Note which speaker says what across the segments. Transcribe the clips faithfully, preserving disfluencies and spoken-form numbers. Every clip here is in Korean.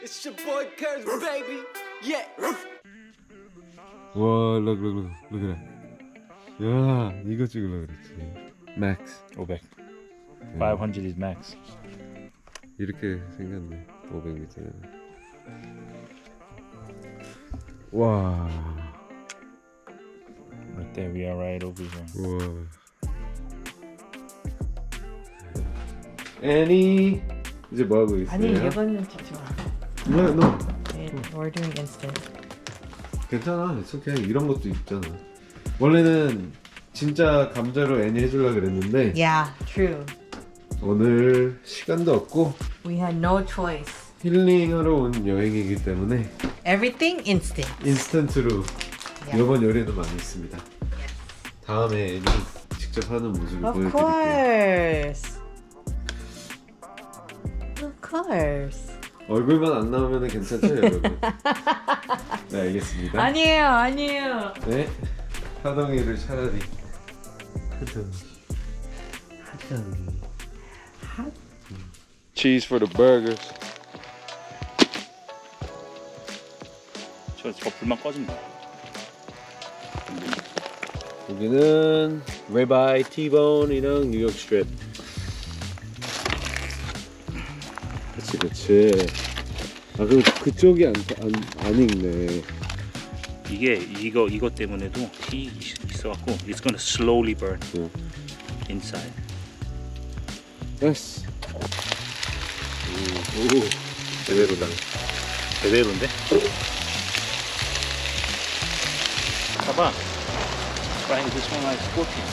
Speaker 1: It's your boy Curse, baby. Yeah.
Speaker 2: 와, look, look, look, look at that. 야, 이거 찍으려고 그랬지. Max.
Speaker 3: 오백. five hundred is max.
Speaker 2: 이렇게 생겼네. 오백 미터는. 와,
Speaker 3: Right there, we are right over here.
Speaker 2: 와. 애니 이제 뭐 하고 있어요?
Speaker 4: 아니 이거는 찍지 마.
Speaker 2: No, no.
Speaker 4: It, we're doing instant.
Speaker 2: 괜찮아. It's okay. 이런 것도 있잖아. 원래는 진짜 감자로 애니 해주려고 그랬는데
Speaker 4: Yeah, true.
Speaker 2: 오늘 시간도 없고
Speaker 4: We had no choice.
Speaker 2: 힐링하러 온 여행이기 때문에
Speaker 4: Everything instant.
Speaker 2: 인스턴트로
Speaker 4: Yeah.
Speaker 2: 이번 요리도 많이 있습니다. 다음에 애니 직접 하는 모습을
Speaker 4: Of
Speaker 2: 보여드릴게요.
Speaker 4: course. Of course.
Speaker 2: 얼굴만 안 나오면 괜찮죠, 여러분? 네, 알겠습니다.
Speaker 4: 아니에요, 아니에요.
Speaker 2: 네, 하동이를 차라리 하동이, 하동이, 하동이. Cheese for the burgers.
Speaker 3: 저, 저 불만 꺼진다.
Speaker 2: 여기는 ribeye, T-bone이랑 뉴욕 스트립. 그치, 그치. 아, 그럼 그쪽이 안, 안, 안 익네.
Speaker 3: 이게 이거 이거 때문에도 티 있어갖고 it's gonna slowly burn
Speaker 2: 응.
Speaker 3: inside.
Speaker 2: 예스. 오, 오, 제대로다.
Speaker 3: 제대로인데? 봐봐. Trying this one like sporty.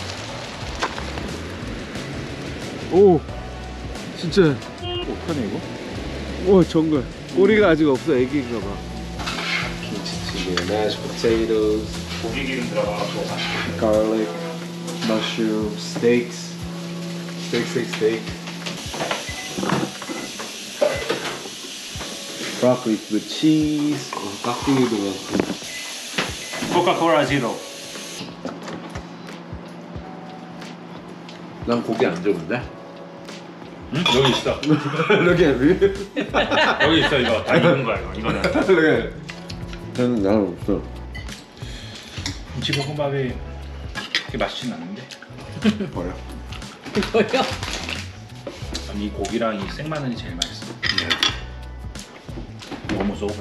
Speaker 2: 오, 진짜.
Speaker 3: 어떡하냐 이거?
Speaker 2: 오, 정글. 꼬리가 아직 없어, 애기인가 봐. 김치찌개, mashed potatoes,
Speaker 3: 고기 기름 들어가고
Speaker 2: garlic, mushroom, steaks, steak, steak, steak. Broccoli with cheese. 어, 깍두기도 많고.
Speaker 3: 코카콜라 지로.
Speaker 2: 난 고기 안 좋은데?
Speaker 3: 응? 여기 있어.
Speaker 2: Look at me.
Speaker 3: 여기 있어 이거 다 익은 거야 이거. 이거는.
Speaker 2: Look at it. 나는 나는 없어.
Speaker 3: 김치볶음밥이 그렇게 맛있진 않은데.
Speaker 2: 버려.
Speaker 4: 뭐요?
Speaker 3: 아니 이 고기랑 이 생마늘이 제일 맛있어. Almost over.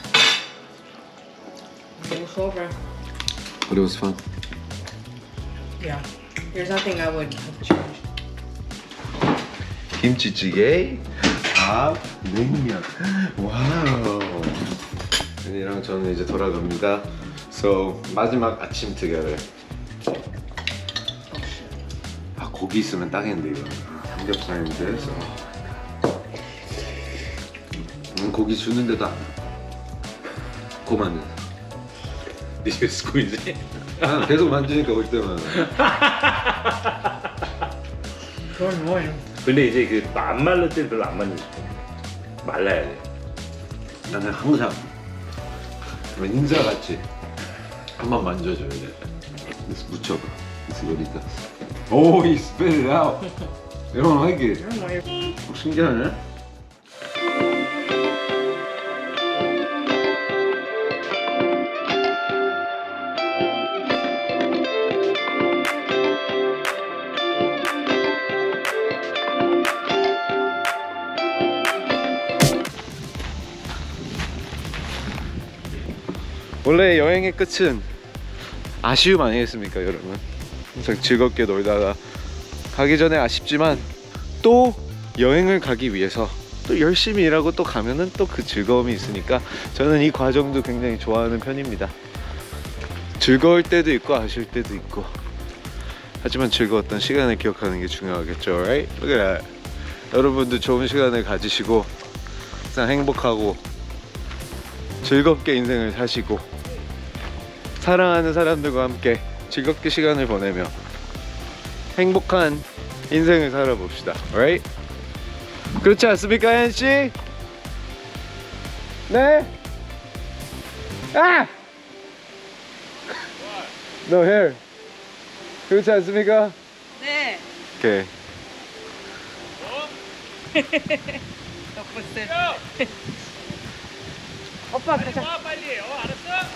Speaker 4: It's over.
Speaker 2: But it was fun.
Speaker 4: Yeah. There's nothing I would have changed.
Speaker 2: 김치찌개, 밥, 냉면. 와우. 은이랑 저는 이제 돌아갑니다. So 마지막 아침 together. 아, 고기 있으면 딱인데 이거. 삼겹살인데. So. 음, 고기 주는데도 안. 고만은.
Speaker 3: This is squeeze.
Speaker 2: 아, 계속 만지니까 올 때마다.
Speaker 4: 그건 뭐예요?
Speaker 3: 근데 이제 그 안 말릴 때 별로 안 만지고 싶어. 말라야 돼.
Speaker 2: 나는 항상 인사같이 한번 만져줘야 돼. 그래서 묻혀봐. 그래서 요리다. 오, he spit it out. You don't like it.
Speaker 4: 그건 뭐예요?
Speaker 2: 어, 신기하네. 원래 여행의 끝은 아쉬움 아니겠습니까, 여러분? 항상 즐겁게 놀다가 가기 전에 아쉽지만 또 여행을 가기 위해서 또 열심히 일하고 또 가면은 또 그 즐거움이 있으니까 저는 이 과정도 굉장히 좋아하는 편입니다. 즐거울 때도 있고 아쉬울 때도 있고, 하지만 즐거웠던 시간을 기억하는 게 중요하겠죠, right? Look at that. 여러분도 좋은 시간을 가지시고 항상 행복하고 즐겁게 인생을 사시고 사랑하는 사람들과 함께 즐겁게 시간을 보내며 행복한 인생을 살아봅시다. Right? 그렇지 않습니까, 혜연씨? 네? 아! No hair. 그렇지 않습니까?
Speaker 4: 네.
Speaker 2: 오케이.
Speaker 4: 덕분에. 오빠 가자.
Speaker 3: 빨리. 어, 알았어?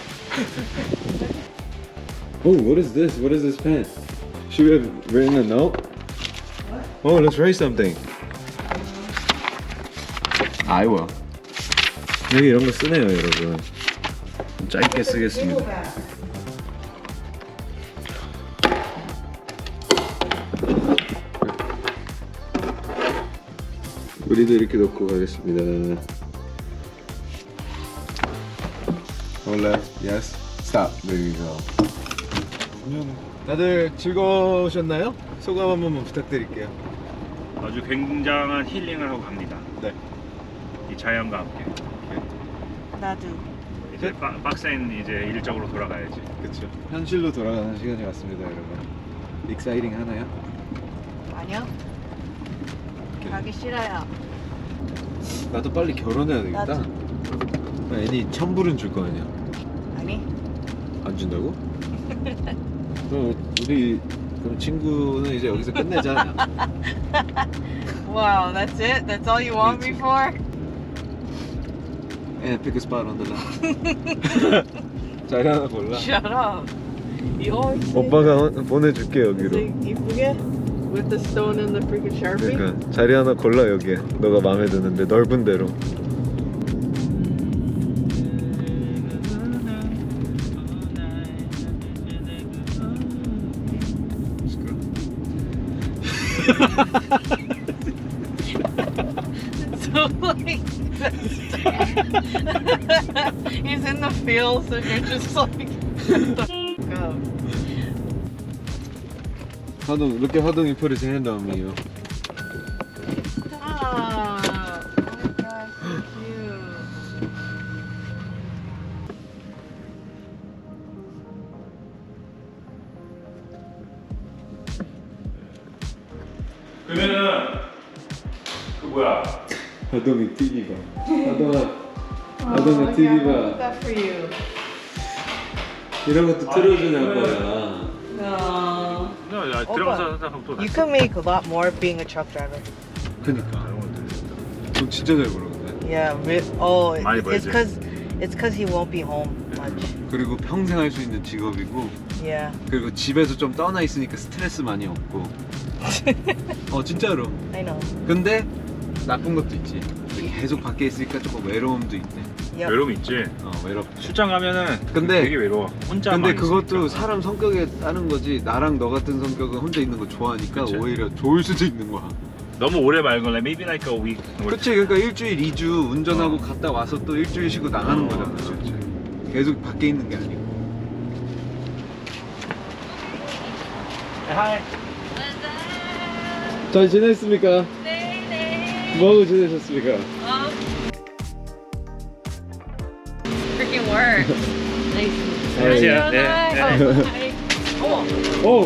Speaker 2: Oh, what is this? What is this pen? Should we have written a note? Oh, let's write something. I will. 여기 이런 거 쓰네요, 여러분. 짧게 쓰겠습니다. 우리도 이렇게 넣고 가겠습니다. Hola. Yes. Stop. There you go. 다들 즐거우셨나요? 소감 한 번만 부탁드릴게요.
Speaker 3: 아주 굉장한 힐링을 하고 갑니다.
Speaker 2: 네.
Speaker 3: 이 자연과 함께.
Speaker 4: 나도.
Speaker 3: 이제 빠, 빡센 이제 일적으로 돌아가야지.
Speaker 2: 그렇죠. 현실로 돌아가는 시간이 왔습니다, 여러분. 익사이팅 하나요?
Speaker 4: 아니요. 가기 싫어요.
Speaker 2: 나도 빨리 결혼해야 되겠다. 나 애니 천불은 줄 거 아니야.
Speaker 4: 아니.
Speaker 2: 안 준다고? 그럼 우리 그럼 친구는 이제 여기서 끝내자.
Speaker 4: Wow, that's it? That's all you want me for?
Speaker 2: And pick a spot on the left. 자리 하나 골라.
Speaker 4: Shut up. You always say
Speaker 2: 오빠가 보내줄게 여기로.
Speaker 4: that. 이쁘게? With the stone and the freaking Sharpie?
Speaker 2: 그러니까 자리 하나 골라 여기에. 너가 마음에 드는데 넓은 데로.
Speaker 4: So like he's in the fields and you're just like go.
Speaker 2: 화동, look at 화동이 put his hand on me. Yo.
Speaker 4: Stop. Oh my gosh, so cute.
Speaker 3: 그러면은 그 뭐야?
Speaker 2: 화동이 티비 봐. 화동아,
Speaker 4: Oh,
Speaker 2: 화동아
Speaker 4: yeah,
Speaker 2: 티비
Speaker 4: I bought
Speaker 2: 봐.
Speaker 4: that for you.
Speaker 2: 이런 것도 틀어주는 거야.
Speaker 4: No.
Speaker 3: 야, 야
Speaker 4: 오빠,
Speaker 3: 들어가서 하면 또
Speaker 4: You can make a lot more being a truck driver.
Speaker 2: 그니까. 너 진짜 잘 부르는데.
Speaker 4: Yeah. Re- oh, it-
Speaker 3: 많이
Speaker 4: it's
Speaker 3: 벌지.
Speaker 4: because it's because he won't be home much.
Speaker 2: 그리고 평생 할 수 있는 직업이고,
Speaker 4: Yeah.
Speaker 2: 그리고 집에서 좀 떠나 있으니까 스트레스 많이 없고. 어 진짜로.
Speaker 4: I know.
Speaker 2: 근데 나쁜 것도 있지. 계속 밖에 있으니까 조금 외로움도 있대.
Speaker 4: Yep.
Speaker 3: 외로움 있지.
Speaker 2: 어 외롭.
Speaker 3: 출장 가면은
Speaker 2: 근데-
Speaker 3: 되게 외로워. 혼자.
Speaker 2: 근데 그것도 사람 성격에 따른 거지. 나랑 너 같은 성격은 혼자 있는 거 좋아하니까
Speaker 3: 그치.
Speaker 2: 오히려 좋을 수도 있는 거야.
Speaker 3: 너무 오래 말거나 maybe like a week.
Speaker 2: 그치, 그러니까 일주일, 이주 운전하고
Speaker 3: 어.
Speaker 2: 갔다 와서 또 일주일 쉬고 나가는
Speaker 3: 어,
Speaker 2: 거잖아.
Speaker 3: 그치, 그치.
Speaker 2: 계속 밖에 있는 게 아니고.
Speaker 3: 하이.
Speaker 2: 잘 지냈습니까?
Speaker 4: 네, 네.
Speaker 2: 뭐하고 지내셨습니까?
Speaker 4: Um, freaking work. nice.
Speaker 3: 안녕하세요. 네. 네.
Speaker 4: 어머.
Speaker 2: 오!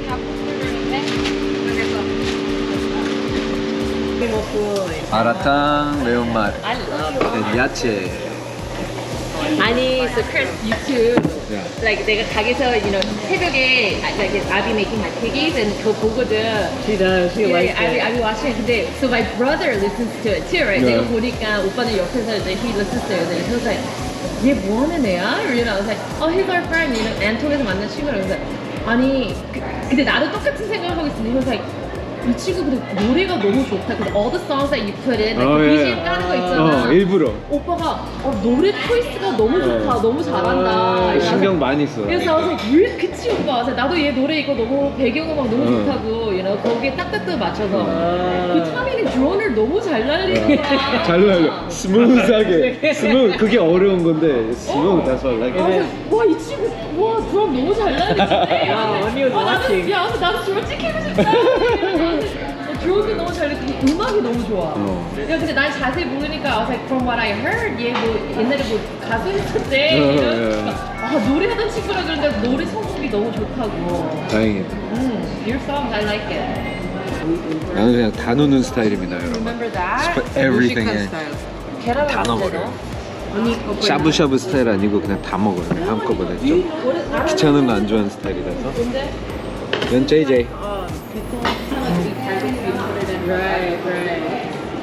Speaker 2: 마라탕, 매운맛,
Speaker 4: I love
Speaker 2: 야채.
Speaker 5: 아니, so Chris, you too.
Speaker 2: Yeah.
Speaker 5: Like 내가 가게에서, you know, 새벽에 like I'll be making my piggies and 그거 보거든.
Speaker 4: She does. She
Speaker 5: Yeah,
Speaker 4: likes
Speaker 5: I'll be,
Speaker 4: it.
Speaker 5: I'll be watching. 근데 so my brother listens to it too, right?
Speaker 2: Yeah.
Speaker 5: 내가 보니까 오빠는 옆에서 이제 he listens to it. And he was like, 얘 뭐 하는 애야? You know, I was like, oh, he's our friend. You know, 앤톤에서 만난 친구라고. 그래서 아니, 그, 근데 나도 똑같은 생각을 하고 있었는데 he was like, 이 친구 근데 노래가 너무 좋다. 근데 all the songs that you put in, like
Speaker 2: 어,
Speaker 5: 그
Speaker 2: 예.
Speaker 5: 비지엠 까는 거 있잖아.
Speaker 2: 어, 일부러.
Speaker 5: 오빠가 어, 노래 초이스가 너무 좋다, 너무 잘한다.
Speaker 2: 어, 신경 많이 써.
Speaker 5: 그래서 I was like, 왜 그치 오빠? 그래서 나도 얘 노래 이거 너무 배경음악 너무
Speaker 2: 어.
Speaker 5: 좋다고, you know, 거기에 딱딱딱 맞춰서. 그 타미는 드론을 너무 잘 날리는 거야.
Speaker 2: 잘 날려. 스무스하게. 스무 그게 어려운 건데. 스무 that's what I like.
Speaker 5: 아, 와이 친구, 와 드럼 너무 잘 날리는데.
Speaker 4: 와, 언니 was watching.
Speaker 5: 야, 나도 드럼 찍히고 싶다. 드럼도 너무 잘 날리고 음악이 너무 좋아.
Speaker 2: 어.
Speaker 5: 야, 근데 난 자세히 모르니까 I was like, from what I heard, 얘 뭐 옛날에 뭐 가수 했었대.
Speaker 2: 어,
Speaker 5: 이런.
Speaker 2: 예.
Speaker 5: 아, 노래하던 친구라 그러는데 노래 성공이 너무 좋다고.
Speaker 2: 다행이다.
Speaker 5: 음, your songs, I like it.
Speaker 2: 나는 그냥 다 넣는 스타일입니다, 여러분.
Speaker 5: Remember that?
Speaker 2: Everything 에
Speaker 5: 계란
Speaker 2: 다
Speaker 5: 넣었는데
Speaker 2: 넣어버려요.
Speaker 5: 너? 언니 거
Speaker 2: 샤브샤브 스타일 아니고 그냥 다 먹어요. 그냥 한꺼번에 좀 귀찮은 거 안 좋아하는 스타일이라서.
Speaker 5: 근데
Speaker 2: 넌 제이제이.
Speaker 5: Right, right.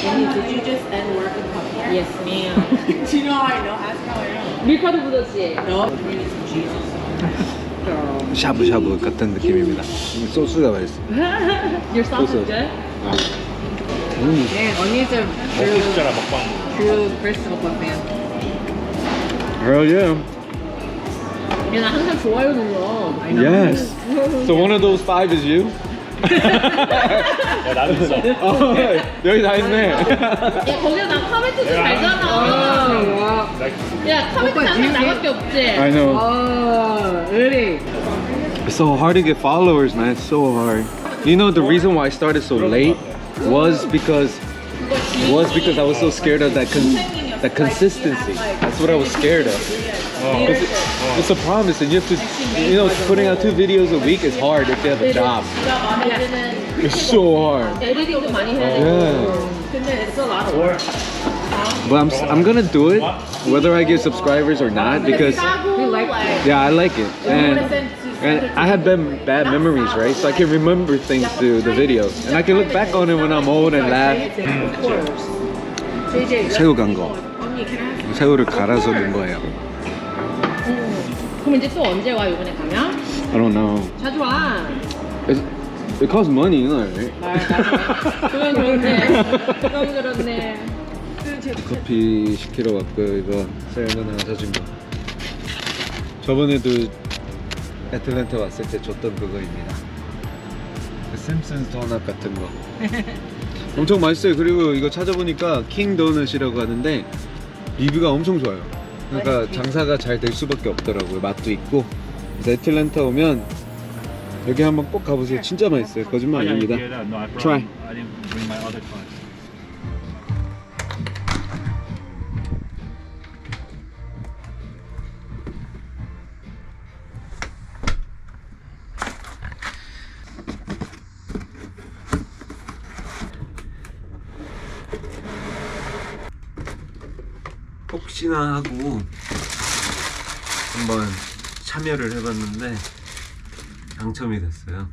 Speaker 4: Did you just end work and come here?
Speaker 5: Yes, ma'am.
Speaker 4: Do you know how I know? Ask me how I know.
Speaker 5: 밀가루 묻었지?
Speaker 4: No. Jesus.
Speaker 2: 샤브샤브 같은 느낌입니다. 소스가 맛있어.
Speaker 5: Your sauce is
Speaker 2: 소스.
Speaker 5: good?
Speaker 2: 음.
Speaker 4: Man, 언니's a
Speaker 3: 먹고
Speaker 4: true,
Speaker 3: 싶잖아 먹방.
Speaker 4: true Crystal Club fan.
Speaker 2: Hell yeah.
Speaker 5: 야, 나 항상 좋아요 눌러.
Speaker 2: Yes. So one of those five is you?
Speaker 3: 야 나도 있어.
Speaker 2: 어, 여기 다 있네.
Speaker 5: 야, 거기서 나 카메트 좀 알잖아. 야, 카메트 항상 나밖에 없지?
Speaker 2: I know.
Speaker 4: Oh, really?
Speaker 2: It's so hard to get followers, man. It's so hard. You know the reason why I started so late was because was because I was so scared of that con- that consistency. That's what I was scared of. 'Cause it- it's a promise, and you have to, you know, putting out two videos a week is hard if you have a job. It's so hard.
Speaker 5: 에디팅도 많이 해.
Speaker 2: Yeah.
Speaker 5: 근데 it's a lot of work.
Speaker 2: But I'm s- I'm gonna do it, whether I get subscribers or not, because
Speaker 5: You like
Speaker 2: yeah, I like it, and and I have been bad memories, right? So I can remember things through the videos, and I can look back on it when I'm old and laugh. 새우 간 거. 새우를 갈아서 넣은 거예요.
Speaker 5: 그럼 이제 또 언제 와, 이번에 가면?
Speaker 2: I don't know.
Speaker 5: 자주 와.
Speaker 2: It's, it costs money, you know, right?
Speaker 5: 그건 그렇네. 그건 그렇네.
Speaker 2: 커피 시키러 왔고요. 이거 세연은 하나 사준 거. 저번에도 애틀랜타 왔을 때 줬던 그거입니다. 그 심슨스 도넛 같은 거. 엄청 맛있어요. 그리고 이거 찾아보니까 킹 도넛이라고 하는데 리뷰가 엄청 좋아요. 그러니까 장사가 잘 될 수밖에 없더라고요. 맛도 있고. 그래서 애틀랜타 오면 여기 한번 꼭 가보세요. 진짜 맛있어요. 거짓말 아닙니다.
Speaker 3: No, I brought,
Speaker 2: Try.
Speaker 3: I didn't bring my other cards.
Speaker 2: 혹시나 하고 한번 참여를 해봤는데 당첨이 됐어요.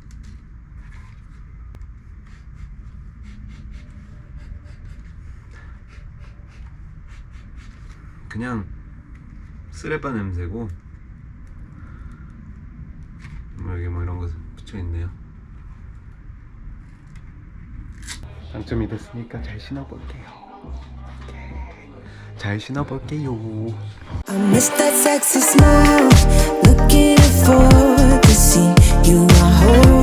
Speaker 2: 그냥 쓰레빠 냄새고 뭐 여기 뭐 이런 거 붙여있네요. 당첨이 됐으니까 잘 신어볼게요. 잘 신어볼게요.
Speaker 6: I miss that sexy smile, looking for to see you are whole.